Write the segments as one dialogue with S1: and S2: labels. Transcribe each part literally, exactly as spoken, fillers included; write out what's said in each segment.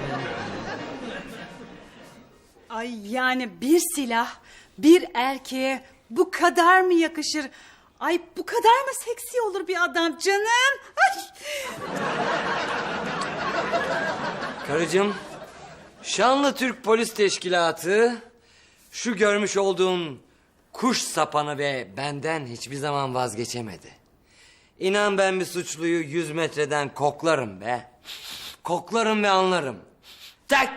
S1: Ay yani bir silah bir erkeğe bu kadar mı yakışır? Ay bu kadar mı seksi olur bir adam canım? Ay.
S2: Karıcığım, şanlı Türk Polis Teşkilatı şu görmüş olduğun kuş sapanı ve benden hiçbir zaman vazgeçemedi. İnan ben bir suçluyu yüz metreden koklarım be. Koklarım ve anlarım. Tak!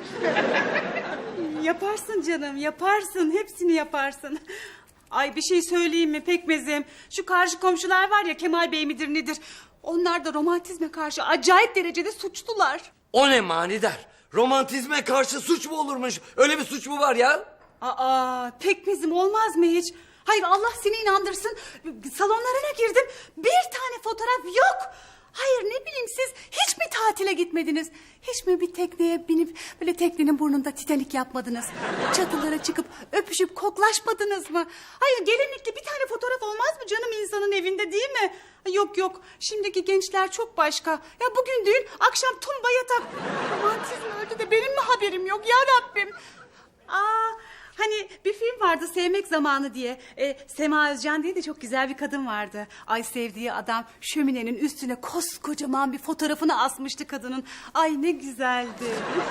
S1: Yaparsın canım, yaparsın. Hepsini yaparsın. Ay bir şey söyleyeyim mi Pekmezim? Şu karşı komşular var ya, Kemal Bey midir nedir? Onlar da romantizme karşı acayip derecede suçlular.
S2: O ne manidar? Romantizme karşı suç mu olurmuş? Öyle bir suç mu var ya?
S1: Aa, Pekmezim olmaz mı hiç? Hayır Allah seni inandırsın. Salonlarına girdim. Bir tane fotoğraf yok. Hayır ne bileyim siz hiç mi tatile gitmediniz? Hiç mi bir tekneye binip böyle teknenin burnunda Titanik yapmadınız? Çatılara çıkıp öpüşüp koklaşmadınız mı? Hayır gelinlikli bir tane fotoğraf olmaz mı canım insanın evinde değil mi? Yok yok şimdiki gençler çok başka. Ya bugün düğün akşam tumba yatak. Romantizm öldü de benim mi haberim yok ya Rabbim? Aa, hani bir film vardı Sevmek Zamanı diye. Ee, Sema Özcan diye de çok güzel bir kadın vardı. Ay sevdiği adam şöminenin üstüne koskocaman bir fotoğrafını asmıştı kadının. Ay ne güzeldi.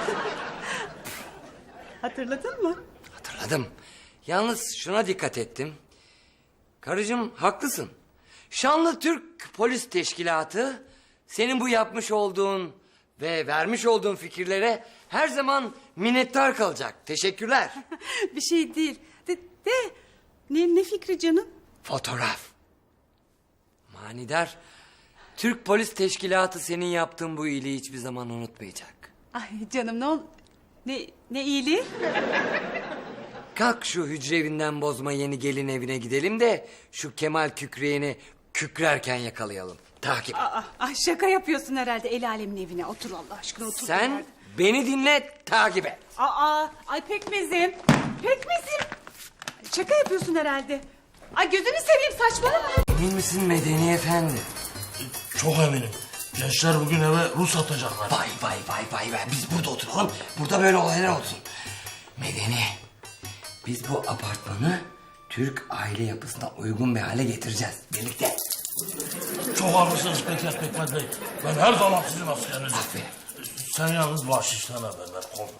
S1: Hatırladın mı?
S2: Hatırladım. Yalnız şuna dikkat ettim. Karıcığım haklısın. Şanlı Türk Polis Teşkilatı senin bu yapmış olduğun ve vermiş olduğun fikirlere her zaman minnettar kalacak. Teşekkürler.
S1: Bir şey değil. De, de ne, ne fikri canım?
S2: Fotoğraf. Manidar, Türk Polis Teşkilatı senin yaptığın bu iyiliği hiçbir zaman unutmayacak.
S1: Ay canım ne ol... Ne, ne iyiliği?
S2: Kalk şu hücre evinden bozma yeni gelin evine gidelim de şu Kemal Kükreyen'i kükrerken yakalayalım. Takip.
S1: Aa, ay şaka yapıyorsun herhalde el alemin evine. Otur Allah aşkına otur.
S2: Sen
S1: nerede?
S2: beni dinle, takip et.
S1: Aa, ay Pekmezim. Pekmezim. Şaka yapıyorsun herhalde. Ay gözünü seveyim saçmalama.
S2: Emin misin Medeni Efendi?
S3: Çok eminim. Gençler bugün eve Rus atacaklar.
S2: Vay vay vay vay vay. Biz burada oturalım. Burada böyle olaylar olsun. Medeni. Biz bu apartmanı Türk aile yapısına uygun bir hale getireceğiz. Birlikte.
S3: Çok haklısınız Peker Pekmez Bey. Ben her zaman sizin askerinizim.
S2: Aferin.
S3: Sen yalnız bahşişten haber ver. Kol.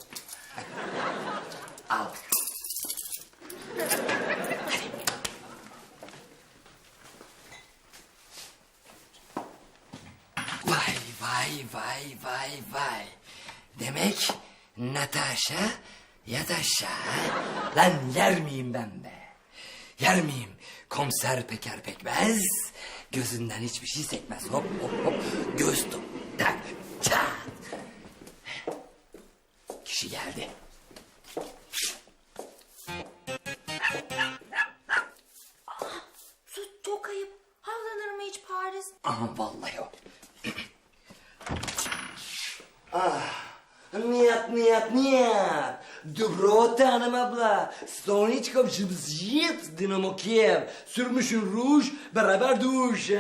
S2: Al. Vay vay vay vay vay. Demek Natasha Yataşa. Lan yer miyim ben be? Yer miyim? Komiser Peker Pekmez. Gözünden hiçbir şey sekmez. Hop hop hop. Göz tut. Tak. Çat. Kişi geldi.
S4: Sus çok ayıp. Havlanır mı hiç Paris?
S2: Aha vallahi o. Ah, Niyat, niyat, niyat. Доброго hanım abla. Stoniçkom jibziyet Dinamo Kiev. Sürmüşün ruj, beraber duş.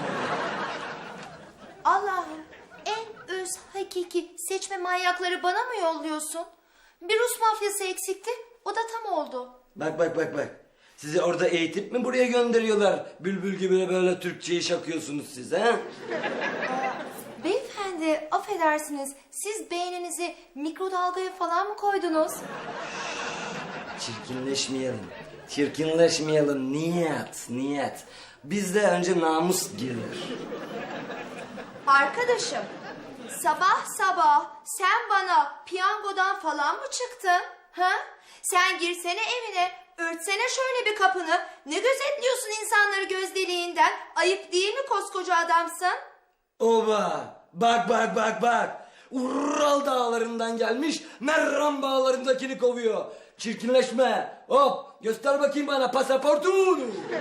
S4: Allah'ım en öz hakiki seçme manyakları bana mı yolluyorsun? Bir Rus mafyası eksikti. O da tam oldu.
S2: Bak bak bak bak. Sizi orada eğitip mi buraya gönderiyorlar? Bülbül gibi böyle Türkçeyi şakıyorsunuz siz ha?
S4: Beyefendi affedersiniz. Siz beyninizi mikrodalgaya falan mı koydunuz?
S2: Çirkinleşmeyelim. Çirkinleşmeyelim. Niyet, niyet. Bizde önce namus gelir.
S4: Arkadaşım sabah sabah sen bana piyangodan falan mı çıktın? Ha? Sen girsene evine, örtsene şöyle bir kapını. Ne gözetliyorsun insanları göz deliğinden? Ayıp değil mi koskoca adamsın?
S2: Oba! Bak bak bak bak! Ural dağlarından gelmiş, Merran bağlarındakini kovuyor. Çirkinleşme! Hop! Göster bakayım bana pasaportunu!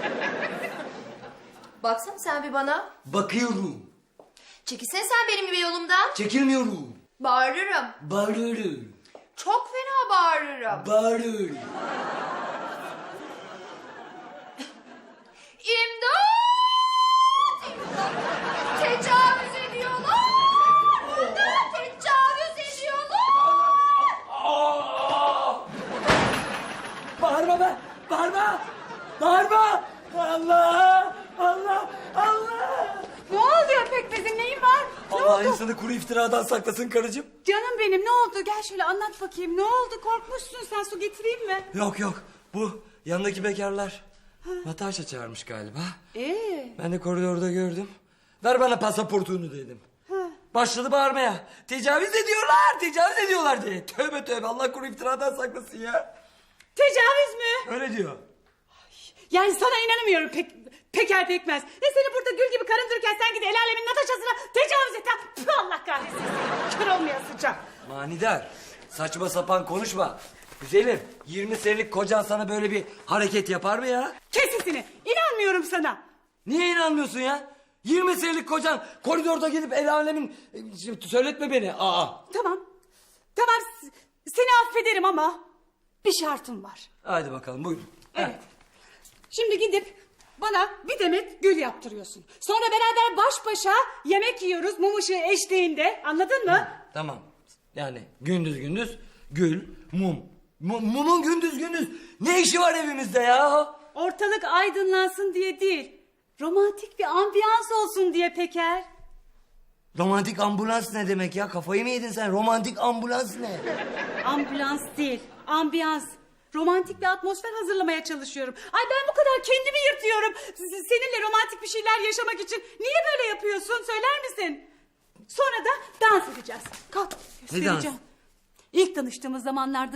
S4: Baksana sen bir bana.
S2: Bakıyorum.
S4: Çekilsene sen benim gibi yolumdan.
S2: Çekilmiyorum.
S4: Bağırırım.
S2: Bağırıyorum.
S4: Çok fena bağırırım.
S2: Bağırıyorum.
S4: İmdat! İmdat! Tecavüz ediyorlar! Burada tecavüz ediyorlar!
S2: iftiradan saklasın karıcığım.
S1: Canım benim ne oldu? Gel şöyle anlat bakayım. Ne oldu? Korkmuşsun sen, su getireyim mi?
S2: Yok yok, bu yanındaki bekarlar Natasha çağırmış galiba.
S1: Ee?
S2: Ben de koridorda gördüm. Ver bana pasaportunu dedim.
S1: Ha.
S2: Başladı bağırmaya. Tecavüz ediyorlar, tecavüz ediyorlar diye. Tövbe tövbe, Allah koru iftiradan saklasın ya.
S1: Tecavüz mü?
S2: Öyle diyor.
S1: Yani sana inanamıyorum pek, Peker Pekmez. Ne seni burada gül gibi karın dururken sen git el alemin Natasha'sına tecavüz et. ha. Püh, Allah kahretsin. Kör olmayasıca.
S2: Manidar, saçma sapan konuşma. Güzelim, yirmi senelik kocan sana böyle bir hareket yapar mı ya?
S1: Kes sesini. İnanmıyorum sana.
S2: Niye inanmıyorsun ya? yirmi senelik kocan koridorda gidip el alemin... e, Söyletme beni. Aa.
S1: Tamam. Tamam s- seni affederim ama bir şartım var.
S2: Hadi bakalım, buyurun.
S1: Evet. Şimdi gidip bana bir demet gül yaptırıyorsun. Sonra beraber baş başa yemek yiyoruz mum ışığı eşliğinde. Anladın mı?
S2: Tamam. Yani gündüz gündüz gül, mum. Mu- mumun gündüz gündüz ne işi var evimizde ya?
S1: Ortalık aydınlansın diye değil. Romantik bir ambiyans olsun diye Peker.
S2: Romantik ambulans ne demek ya? Kafayı mı yedin sen? Romantik ambulans ne?
S1: Ambulans değil, ambiyans. Romantik bir atmosfer hazırlamaya çalışıyorum. Ay ben bu kadar kendimi yırtıyorum. S- Seninle romantik bir şeyler yaşamak için niye böyle yapıyorsun? Söyler misin? Sonra da dans edeceğiz. Kalk göstereceğim.
S2: dans?
S1: İlk tanıştığımız zamanlarda...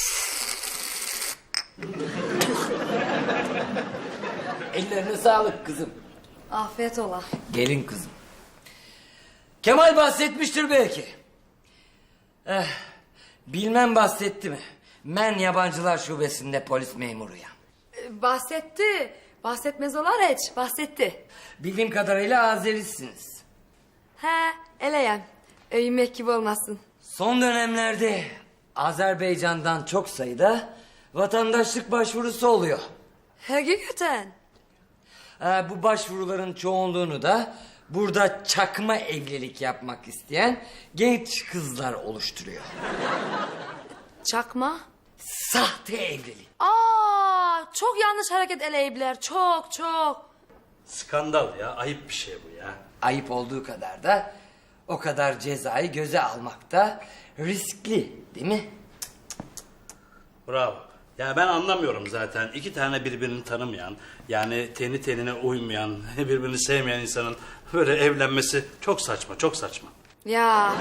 S2: Ellerine sağlık kızım.
S5: Afiyet ola.
S2: Gelin kızım. Kemal bahsetmiştir belki. Eh, bilmem bahsetti mi? Ben yabancılar şubesinde polis memuruyum.
S5: Ee, bahsetti. Bahsetmez olar hiç. Bahsetti.
S2: Bildiğim kadarıyla Azerisiniz.
S5: He, eleyem. Öyünmek gibi olmasın.
S2: Son dönemlerde Azerbaycan'dan çok sayıda vatandaşlık başvurusu oluyor.
S5: Hakikaten.
S2: Ee, bu başvuruların çoğunluğunu da burada çakma evlilik yapmak isteyen genç kızlar oluşturuyor.
S5: Çakma.
S2: Sahte evlilik.
S5: Aa, çok yanlış hareket eleyipler. Çok çok.
S3: Skandal ya, ayıp bir şey bu ya.
S2: Ayıp olduğu kadar da o kadar cezayı göze almak da riskli, değil mi?
S3: Bravo. Ya ben anlamıyorum zaten. İki tane birbirini tanımayan, yani teni tenine uymayan, birbirini sevmeyen insanın böyle evlenmesi çok saçma, çok saçma.
S5: Ya.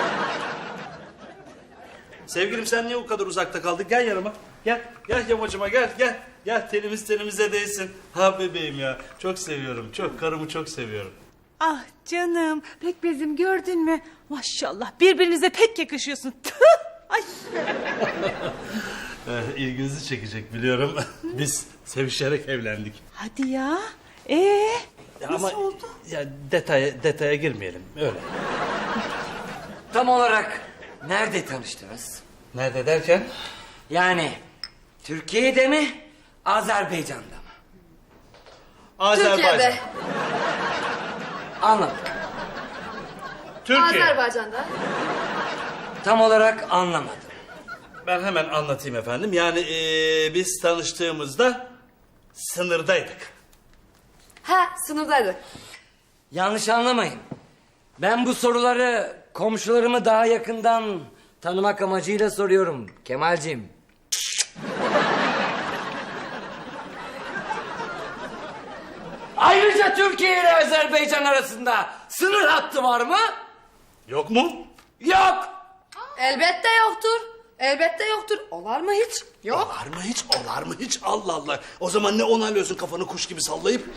S3: Sevgilim sen niye o kadar uzakta kaldın? Gel yanıma. Gel, gel yamacıma gel, gel. Gel tenimiz tenimize değsin. Ha bebeğim ya, çok seviyorum, çok. Karımı çok seviyorum.
S1: Ah canım Pekmez'im gördün mü? Maşallah birbirinize pek yakışıyorsun. Tüh! Ay.
S3: Ee, ilginizi çekecek biliyorum. Biz sevişerek evlendik.
S1: Hadi ya. Ee,
S3: Ya
S1: nasıl
S3: ama,
S1: oldu?
S3: Ya detaya, detaya girmeyelim, öyle.
S2: Tam olarak nerede tanıştınız?
S3: Nerede derken?
S2: Yani Türkiye'de mi, Azerbaycan'da mı?
S3: Azerbaycan.
S5: Türkiye'de.
S2: Anladım.
S3: Türkiye.
S5: Azerbaycan'da.
S2: Tam olarak anlamadım.
S3: Ben hemen anlatayım efendim. Yani ee, biz tanıştığımızda sınırdaydık.
S5: He, sınırdaydı.
S2: Yanlış anlamayın. Ben bu soruları komşularımı daha yakından tanımak amacıyla soruyorum Kemalciğim. Ayrıca Türkiye ile Azerbaycan arasında sınır hattı var mı?
S3: Yok mu?
S2: Yok.
S5: Elbette yoktur. Elbette yoktur. Olar mı hiç? Yok.
S3: Olar mı hiç? Olar mı hiç? Allah Allah. O zaman ne onaylıyorsun kafanı kuş gibi sallayıp?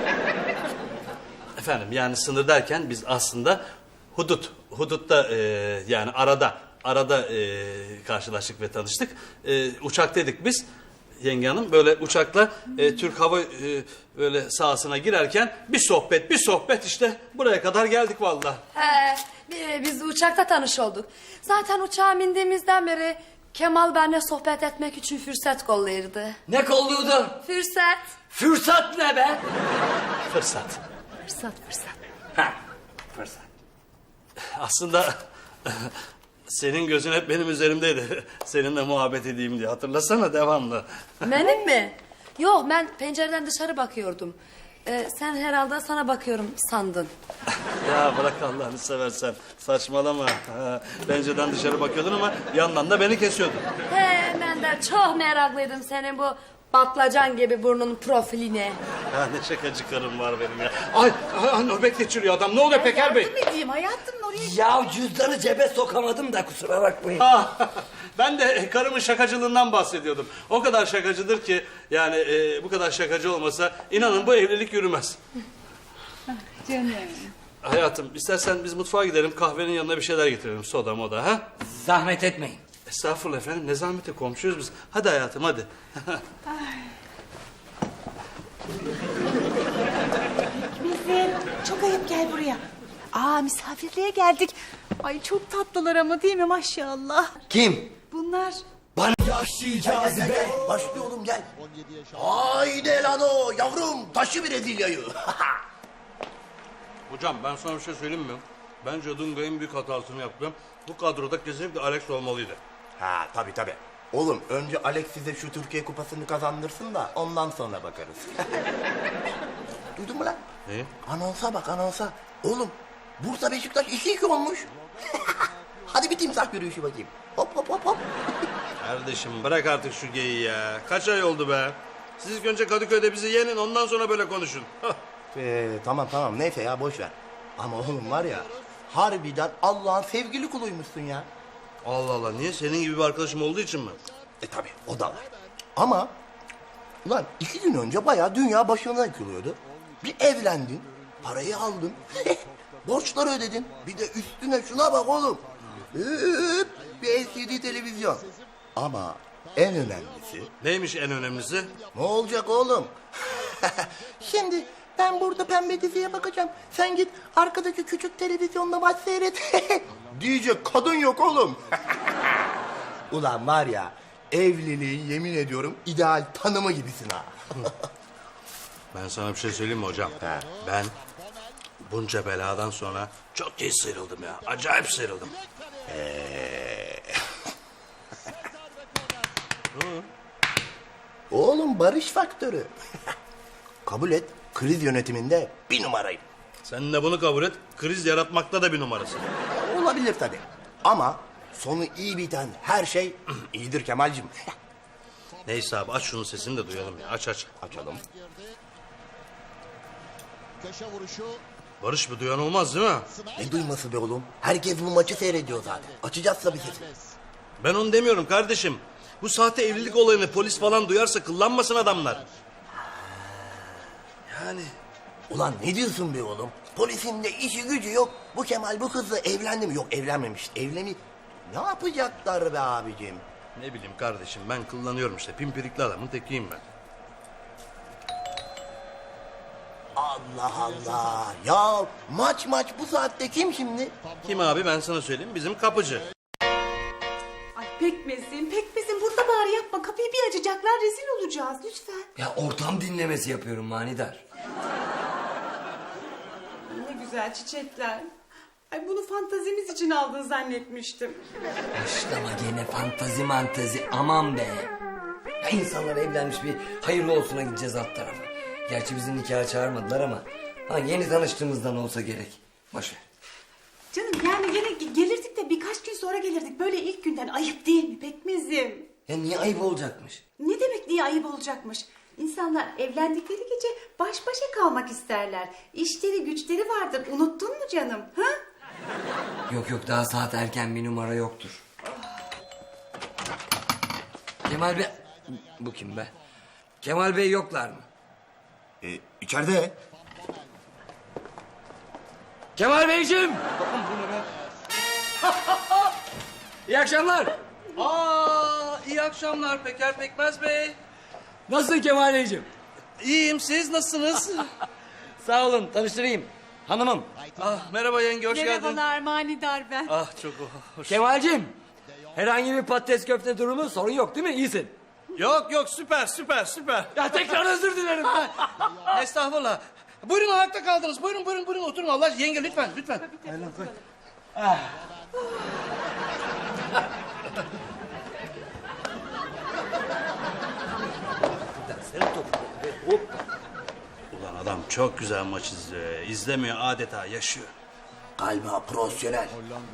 S3: Efendim yani sınır derken biz aslında hudut. Hudutta e, yani arada. Arada e, karşılaştık ve tanıştık. E, uçaktaydık biz. Yenge hanım böyle uçakla e, Türk Hava e, böyle sahasına girerken bir sohbet bir sohbet işte buraya kadar geldik vallahi.
S5: He, bi- biz uçakta tanış olduk. Zaten uçağa bindiğimizden beri Kemal benimle sohbet etmek için fırsat kollayırdı.
S2: Ne kolluyordu?
S5: Fırsat.
S2: Fırsat ne be?
S3: Fırsat.
S5: Fırsat, fırsat.
S2: Ha, fırsat.
S3: Aslında senin gözün hep benim üzerimdeydi. Seninle muhabbet edeyim diye hatırlasana devamlı.
S5: Benim mi? Yok, ben pencereden dışarı bakıyordum. Ee, sen herhalde sana bakıyorum sandın.
S3: Ya bırak Allah'ını seversen. Saçmalama. Ha, pencereden dışarı bakıyordun ama yandan da beni kesiyordun.
S5: He, ben de çok meraklıydım senin bu patlıcan gibi burnun profiline.
S3: Ha, ne şakacı karım var benim ya. Ay, ay nöbet geçiriyor adam. Ne oluyor Peker Bey?
S1: Yardım edeyim hayatım oraya.
S2: Ya cüzdanı cebe sokamadım da kusura bakmayın.
S3: Ah, ben de karımın şakacılığından bahsediyordum. O kadar şakacıdır ki yani e, bu kadar şakacı olmasa inanın bu evlilik yürümez.
S1: Canım.
S3: Hayatım istersen biz mutfağa gidelim kahvenin yanına bir şeyler getirelim soda moda ha?
S2: Zahmet etmeyin.
S3: Estağfurullah efendim ne zahmeti komşuyuz biz. Hadi hayatım hadi.
S1: Bizim çok ayıp gel buraya. Aa misafirliğe geldik. Ay çok tatlılar ama değil mi maşallah.
S2: Kim?
S1: Bunlar
S6: Yahşi cazibe. Başlıyor oğlum gel. Haydi lan o yavrum taşı bir Brezilya'yı.
S3: Hocam ben sana bir şey söyleyeyim mi? Bence Dunga en büyük hatasını yaptı. Bu kadroda kesinlikle Alex olmalıydı.
S6: Ha tabii tabii. Oğlum önce Alex size şu Türkiye kupasını kazandırsın da ondan sonra bakarız. Duydun mu lan?
S3: Ne?
S6: Anonsa bak anonsa. Oğlum Bursa Beşiktaş iki iki olmuş. Hadi bir timsah yürüyüşü bakayım. Hop hop hop hop.
S3: Kardeşim bırak artık şu geyiği ya. Kaç ay oldu be? Siz ilk önce Kadıköy'de bizi yenin ondan sonra böyle konuşun.
S6: Ee, tamam tamam neyse ya boş ver. Ama oğlum var ya harbiden Allah'ın sevgili kuluymuşsun ya.
S3: Allah Allah niye? Senin gibi bir arkadaşım olduğu için mi?
S6: E tabi o da var. Ama ulan iki gün önce bayağı dünya başına yıkılıyordu. Bir evlendin, parayı aldın, borçları ödedin. Bir de üstüne şuna bak oğlum. Hıp, bir L C D televizyon. Ama en önemlisi
S3: Neymiş en önemlisi?
S6: ne olacak oğlum? Şimdi ben burada pembe diziye bakacağım. Sen git arkadaki küçük televizyonda maç seyret. Diyecek kadın yok oğlum. Ulan var ya evliliğin yemin ediyorum ideal tanımı gibisin ha.
S3: Ben sana bir şey söyleyeyim mi hocam?
S6: He.
S3: Ben bunca beladan sonra çok iyi sıyrıldım ya. Acayip sıyrıldım.
S6: Oğlum barış faktörü. Kabul et kriz yönetiminde bir numarayım.
S3: Sen de bunu kabul et. Kriz yaratmakta da bir numarası.
S6: Olabilir tabii. Ama sonu iyi biten her şey iyidir Kemal'cim.
S3: Neyse abi aç şunun sesini de duyalım ya. Aç aç.
S6: Açalım.
S3: Barış bir duyan olmaz değil mi?
S6: Ne duyması be oğlum? Herkes bu maçı seyrediyor zaten. Açacağız tabii sesini.
S3: Ben onu demiyorum kardeşim. Bu sahte evlilik olayını polis falan duyarsa kıllanmasın adamlar. Yani
S6: Ulan ne diyorsun be oğlum? Polisin de işi gücü yok. Bu Kemal bu kızla evlendi mi? Yok evlenmemiş. Evleni... Ne yapacaklar be abicim?
S3: ne bileyim kardeşim ben kullanıyorum işte. Pimpirikli adamın tekiyim ben.
S6: Allah Allah. Ya maç maç bu saatte kim şimdi?
S3: Kim abi ben sana söyleyeyim bizim kapıcı.
S1: ay pekmezim pekmezim burada bari yapma. Kapıyı bir açacaklar rezil olacağız lütfen.
S2: Ya ortam dinlemesi yapıyorum manidar.
S1: Ne güzel çiçekler. Ay bunu fantazimiz için aldın zannetmiştim.
S2: Başlama gene fantazi mantazi aman be. Ya insanlar evlenmiş bir hayırlı olsuna gideceğiz alt tarafa. Gerçi bizim nikaha çağırmadılar ama ha, yeni tanıştığımızdan olsa gerek. Boş ver.
S1: Canım yani gene ge- gelirdik de birkaç gün sonra gelirdik. Böyle ilk günden ayıp değil mi pekmezim?
S2: Ya niye ayıp olacakmış?
S1: Ne demek niye ayıp olacakmış? İnsanlar evlendikleri gece baş başa kalmak isterler. İşleri güçleri vardır. Unuttun mu canım? Ha?
S2: Yok yok daha saat erken bir numara yoktur. Kemal Bey... Bu kim be? Kemal Bey yoklar mı?
S6: Ee, içeride.
S2: Kemal Beyciğim! İyi akşamlar.
S3: Aa iyi akşamlar Peker Pekmez Bey.
S2: Nasılsın Kemal Beyciğim?
S3: İyiyim siz nasılsınız?
S2: Sağ olun tanıştırayım. Hanımım.
S3: ah merhaba yenge hoş geldin.
S1: Merhabalar manidar ben.
S3: Ah çok hoş.
S2: Kemal'cim. Herhangi bir patates köfte durumu sorun yok değil mi? İyisin.
S3: Yok yok süper süper süper.
S2: Ya tekrar özür dilerim.
S3: Estağfurullah. Buyurun ayakta kaldınız. Buyurun buyurun buyurun oturun Allah aşkına. Yenge lütfen lütfen.
S2: Senin top. Hop.
S3: Ulan adam çok güzel maç izliyor. İzlemiyor, adeta yaşıyor.
S6: Galiba profesyonel.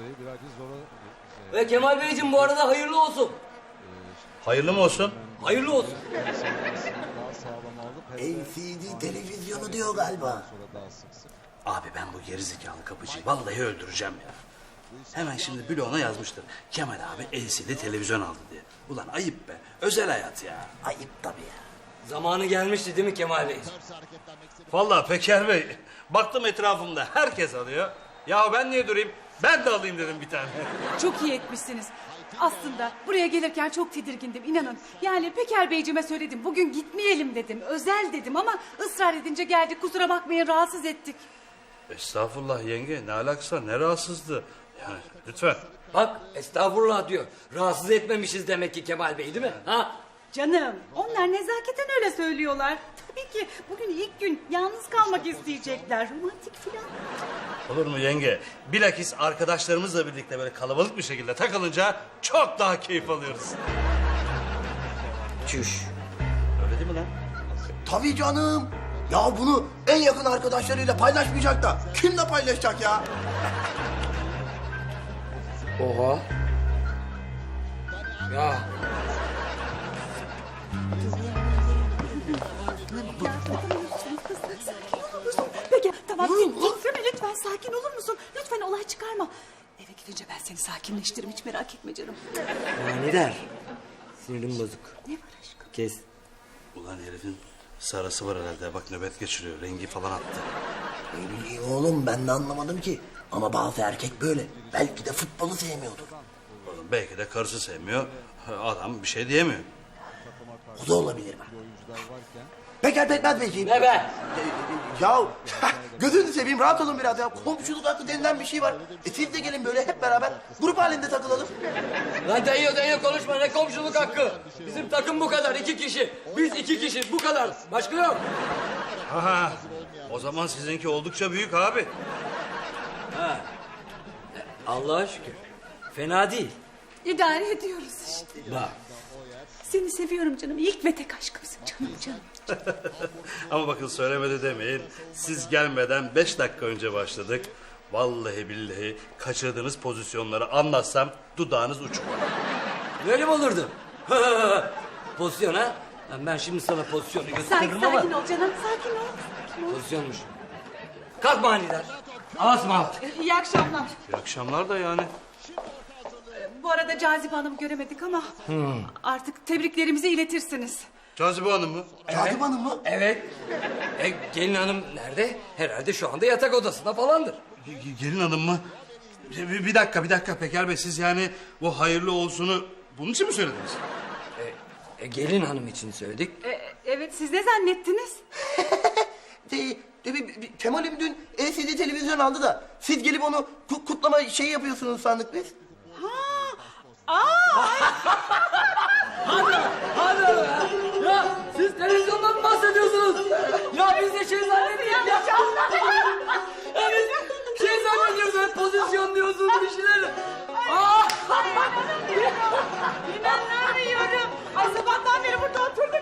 S2: Ve Kemal Beyciğim bu arada hayırlı olsun.
S3: Hayırlı mı olsun?
S2: Hayırlı olsun.
S6: L C D televizyonu diyor galiba.
S3: Abi ben bu gerizekalı kapıcıyı vallahi öldüreceğim ya. Hemen şimdi bloğuna yazmıştır. Kemal abi L C D televizyon aldı diye. Ulan ayıp be. Özel hayat ya.
S6: Ayıp tabii ya.
S2: Zamanı gelmişti değil mi Kemal Bey?
S3: Vallahi Peker Bey. Baktım etrafımda herkes alıyor. Ya ben niye durayım? Ben de alayım dedim bir tane.
S1: Çok iyi etmişsiniz. Aslında buraya gelirken çok tedirgindim inanın. Yani Peker Beyciğime söyledim. Bugün gitmeyelim dedim. Özel dedim ama ısrar edince geldik. Kusura bakmayın rahatsız ettik.
S3: Estağfurullah yenge. Ne alakası var? Ne rahatsızdı? Yani lütfen.
S2: Bak estağfurullah diyor. Rahatsız etmemişiz demek ki Kemal Bey değil mi? Ha?
S1: Canım onlar nezaketen öyle söylüyorlar. Tabii ki bugün ilk gün yalnız kalmak isteyecekler. Romantik filan.
S3: Olur mu yenge? Bilakis arkadaşlarımızla birlikte böyle kalabalık bir şekilde takılınca çok daha keyif alıyoruz.
S2: Çüş.
S3: Öyle değil mi lan?
S6: Tabii canım. Ya bunu en yakın arkadaşlarıyla paylaşmayacak da kimle paylaşacak ya?
S2: Oha. Ya.
S1: Peki tamam titreme lütfen sakin olur musun? Lütfen olay çıkarma. Eve gidince ben seni sakinleştiririm hiç merak etme canım.
S2: Manidar. Sinirim bozuk.
S1: Ne var aşkım?
S2: Kes.
S3: Ulan herifin sarası var herhalde. Bak nöbet geçiriyor. Rengi falan attı.
S6: Ne bileyim oğlum ben de anlamadım ki. Ama bazı erkek böyle. Belki de futbolu sevmiyordur.
S3: Oğlum belki de karısı sevmiyor. Adam bir şey diyemiyor.
S6: O da olabilir bak. Peker Pekmez Beyciğim.
S2: Ne be?
S6: Ya gözünü seveyim rahat olun biraz ya. Komşuluk hakkı denilen bir şey var. E siz de gelin böyle hep beraber grup halinde takılalım.
S2: Lan dayıyor dayıyor konuşma ne komşuluk hakkı. Bizim takım bu kadar iki kişi. Biz iki kişi bu kadar. Başka yok.
S3: Ha, o zaman sizinki oldukça büyük abi.
S2: Allah'a şükür. Fena değil.
S1: İdare ediyoruz işte.
S2: Bak.
S1: Seni seviyorum canım. İlk ve tek aşkımsın canım canım.
S3: Ama bakın söylemedi demeyin. Siz gelmeden beş dakika önce başladık. Vallahi billahi kaçırdığınız pozisyonları anlatsam dudağınız uçuk.
S2: Böyle mi olurdu? Pozisyon ha? Lan ben şimdi sana pozisyonu
S1: Sakin,
S2: gösteririm ama...
S1: sakin ol canım sakin ol. Sakin ol.
S2: Pozisyonmuş. Kalk manidar. Asma.
S1: İyi akşamlar.
S3: İyi akşamlar da yani.
S1: Bu arada Cazibe Hanım'ı göremedik ama artık tebriklerimizi iletirsiniz.
S3: Cazibe Hanım mı?
S6: Cazibe Hanım mı?
S2: Evet. E, gelin hanım nerede? Herhalde şu anda yatak odasında falandır.
S3: Ge- Gelin hanım mı? Bir, bir dakika bir dakika Peker Bey siz yani bu hayırlı olsunu bunun için mi söylediniz?
S2: E, gelin hanım için söyledik.
S1: E, evet siz ne zannettiniz?
S6: De, de, bir- bir- Kemal'im dün L C D televizyon aldı da siz gelip onu ku- kutlama şey yapıyorsunuz sandık biz.
S2: Hadi ya. Ya siz televizyondan mı bahsediyorsunuz? Ya biz de şey zannettik ya. Ya biz şey zannediyoruz böyle pozisyon diyorsunuz bir şeyler. Aa!
S1: İnanamıyorum. Ay sabahtan beri burada oturduk.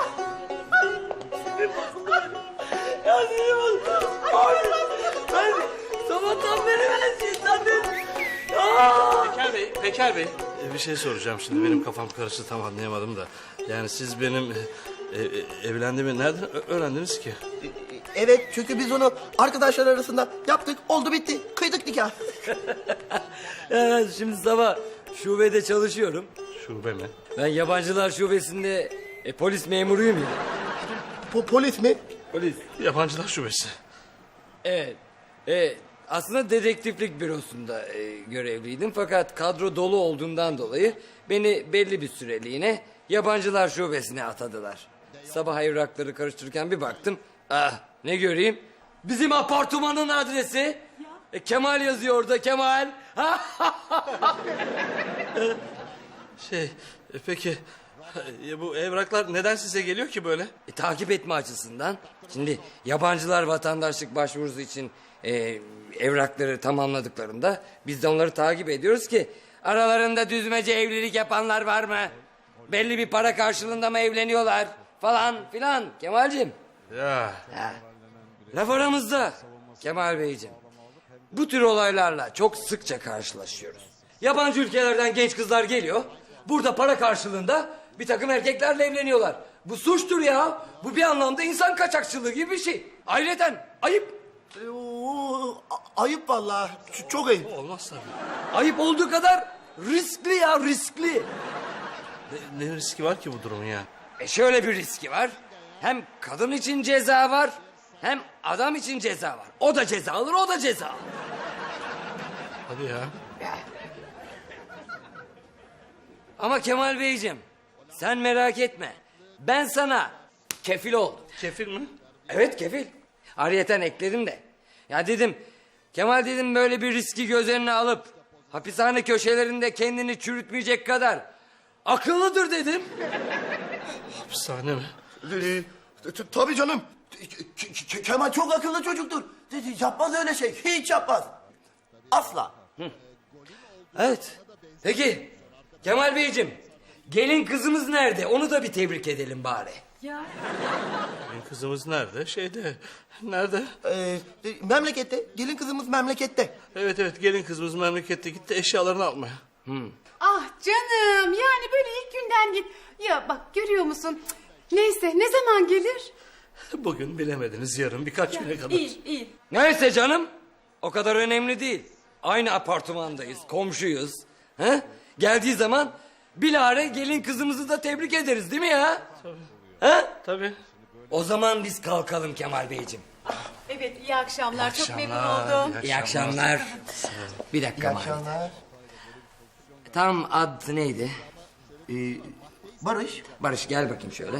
S2: Ya sinirim oldu. Ay, ben sabahtan beri ben şey zannettim. Aa!
S3: Peker Bey, Peker Bey. Ee, bir şey soracağım şimdi benim kafam karıştı tam anlayamadım da. Yani siz benim e, e, evlendiğimi nereden ö- öğrendiniz ki?
S6: E, e, Evet çünkü biz onu arkadaşlar arasında yaptık oldu bitti kıydık nikah.
S2: Ya şimdi sabah şubede çalışıyorum.
S3: Şube mi?
S2: Ben yabancılar şubesinde e, polis memuruyum ya.
S6: Po polis mi?
S2: Polis.
S3: Yabancılar şubesi.
S2: Evet. Evet. Aslında dedektiflik bürosunda e, görevliydim. Fakat kadro dolu olduğundan dolayı beni belli bir süreliğine yabancılar şubesine atadılar. Sabah evrakları karıştırırken bir baktım. Ah ne göreyim? Bizim apartmanın adresi. E, Kemal yazıyor orada Kemal.
S3: Şey, e, peki e, bu evraklar neden size geliyor ki böyle?
S2: E, takip etme açısından. Şimdi yabancılar vatandaşlık başvurusu için e, evrakları tamamladıklarında biz de onları takip ediyoruz ki aralarında düzmece evlilik yapanlar var mı? Belli bir para karşılığında mı evleniyorlar falan filan Kemal'cim.
S3: Ya.
S2: Ha. Laf aramızda Kemal Beyciğim. Bu tür olaylarla çok sıkça karşılaşıyoruz. Yabancı ülkelerden genç kızlar geliyor. Burada para karşılığında bir takım erkeklerle evleniyorlar. Bu suçtur ya. Bu bir anlamda insan kaçakçılığı gibi bir şey. Ayrıca ayıp.
S6: E, oo, a- ayıp vallahi. Ç- çok ayıp.
S3: Olmaz tabii.
S2: Ayıp olduğu kadar riskli ya riskli.
S3: Ne, ne riski var ki bu durumun ya?
S2: E şöyle bir riski var. Hem kadın için ceza var. Hem adam için ceza var. O da ceza alır, o da ceza alır.
S3: Hadi ya.
S2: Ama Kemal Beyciğim, sen merak etme. Ben sana kefil oldum.
S3: Kefil mi?
S2: Evet kefil. Ayrıyeten ekledim de. Ya dedim, Kemal dedim böyle bir riski göz önüne alıp... hapishane köşelerinde kendini çürütmeyecek kadar akıllıdır dedim.
S3: Hapishane mi?
S6: Ee, t- tabii canım. K- K- Kemal çok akıllı çocuktur. Yapmaz öyle şey. Hiç yapmaz. Asla.
S2: Evet. Peki Kemal Beyciğim, gelin kızımız nerede? Onu da bir tebrik edelim bari.
S1: Ya
S3: Benim kızımız nerede? Şeyde. Nerede?
S6: Ee, memlekette. Gelin kızımız memlekette.
S3: Evet evet gelin kızımız memlekette gitti eşyalarını almaya.
S1: ah canım yani böyle ilk günden git. Ya bak görüyor musun? Cık, neyse ne zaman gelir?
S3: Bugün bilemediniz yarın birkaç güne kadar.
S1: İyi iyi.
S2: Neyse canım, o kadar önemli değil. Aynı apartmandayız, komşuyuz. He? Geldiği zaman bilahare gelin kızımızı da tebrik ederiz değil mi ya?
S3: Tabii.
S2: He?
S3: Tabii.
S2: O zaman biz kalkalım Kemal Beyciğim.
S1: Evet iyi akşamlar, çok memnun
S3: akşamlar,
S1: oldum.
S2: İyi akşamlar. Bir dakika
S6: İyi
S2: Mahir.
S6: akşamlar.
S2: Tam ad neydi?
S6: Ee, Barış.
S2: Barış gel bakayım şöyle.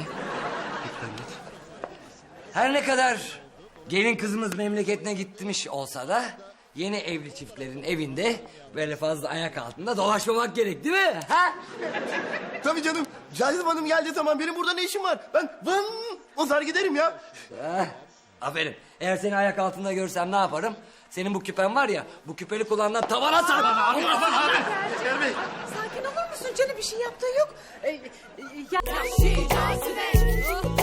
S2: Her ne kadar gelin kızımız memleketine gitmiş olsa da... yeni evli çiftlerin evinde böyle fazla ayak altında dolaşmamak gerek değil mi? Ha?
S6: Tabii canım. Cazip Hanım geldiği zaman benim burada ne işim var? Ben vın uzar giderim ya.
S2: Ha, aferin. Eğer seni ayak altında görsem ne yaparım? Senin bu küpen var ya, bu küpeli kulağından tavana sar.
S6: Şeker Bey.
S1: Sakin olur musun canım, bir şey yaptığı yok. Ee, e, ya...
S5: Vahşi cazibe.